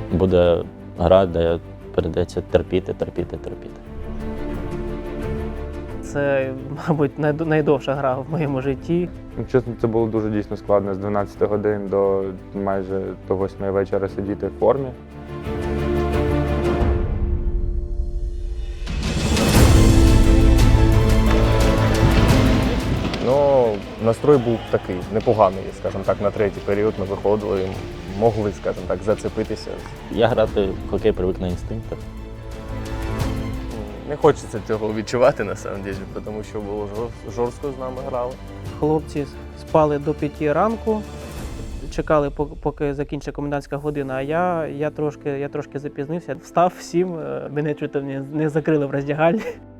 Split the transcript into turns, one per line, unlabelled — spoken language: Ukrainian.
буде гра, де прийдеться терпіти.
Це, мабуть, найдовша гра в моєму житті.
Чесно, це було дуже дійсно складно з 12 годин до майже до 8 вечора сидіти в формі.
Ну, настрой був такий непоганий, скажімо так, на третій період ми виходили, могли, скажімо так, зацепитися.
Я грати в хокей привик на інстинктах.
Не хочеться цього відчувати, на самом деле, тому що було жорстко з нами грали.
Хлопці спали до 5 ранку, чекали, поки закінчиться комендантська година, а я трошки запізнився. Встав в 7, мене чуть не закрили в роздягальні.